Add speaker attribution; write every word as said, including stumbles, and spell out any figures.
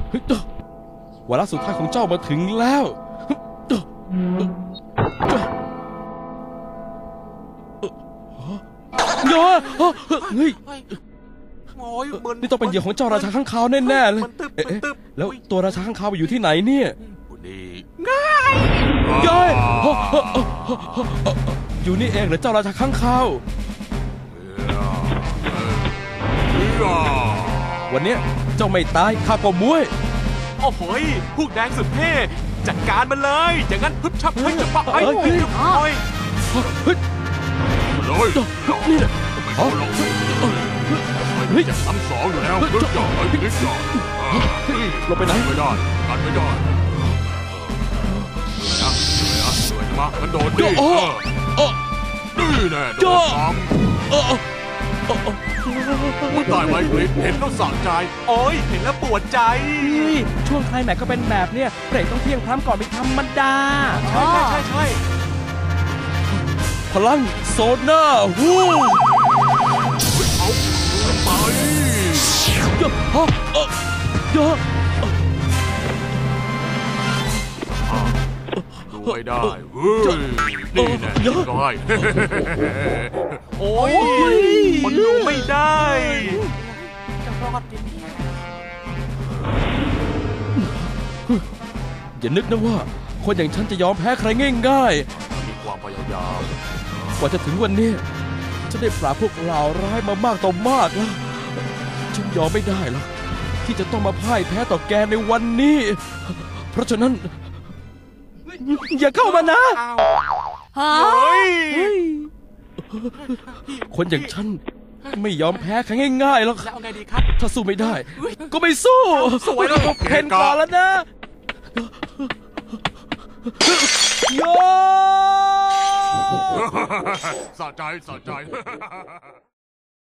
Speaker 1: วาระสุดท้ายของเจ้ามาถึงแล้วโย่เฮ้ยนี่ต้องเป็นเหยื่อของเจ้าราชาข้างคาวแน่ๆเลยเอ๊ะแล้วตัวราชาข้างคาวไปอยู่ที่ไหนเนี่ยง่ายย่อยอยู่นี่เองเหรอเจ้าราชาข้างคาววันนี้เจ้าไม่ตายข้าก็ม้วย
Speaker 2: โอ้โหพวกแดงสุดเท่จัดการมันเลยอย่างนั้นพึบชับให้จะปะไอ้โอ้ยโอ้ย
Speaker 3: เลยนี่นะเฮ้ยจะซ้ำสองอยู่แล้วพึ่งจ่อไอ้พึ่งจ่อ
Speaker 1: ลงไปไหน
Speaker 3: ไม่ได้กันไม่ได้นะเหนื่อยนะเหนื่อยมากันโดดดินี่แน่โดดทำมึงตายไหมคลิปเห็นแล้วสั่งใจ
Speaker 2: โอ้ยเห็นแล้วปวดใจ
Speaker 4: ช่วงไคลแม็กก็เป็นแบบเนี้ยเบรกต้องเพียงพร้ำก่อนเป็นธรรมดา
Speaker 2: ใช่ใช่ใช่ใช่
Speaker 1: พลังโซน่าฮู้
Speaker 3: เอาไป
Speaker 1: เยอะฮะเยอะ
Speaker 3: ดูไม่ได้เฮ้ยนี่แน่ได้
Speaker 2: โอ้ยมันดูไม่ได้จะรอดดิ
Speaker 1: อย่านึกนะว่าคนอย่างฉันจะยอมแพ้ใครง่าย
Speaker 3: ๆมีความพยายาม
Speaker 1: กว่าจะถึงวันนี้ฉันได้ปราบพวกเหล่าร้ายมามากต่อมากแล้วฉันยอมไม่ได้หรอกที่จะต้องมาพ่ายแพ้ต่อแกในวันนี้เพราะฉะนั้นอย่าเข้ามานะคนอย่างฉันไม่ยอมแพ้ใครง่ายๆหรอกถ้าสู้ไม่ได้ก็ไม่สู้
Speaker 2: สวยแล้ว
Speaker 1: เพนก่อนแล้วนะโย
Speaker 3: สะใจสะใจ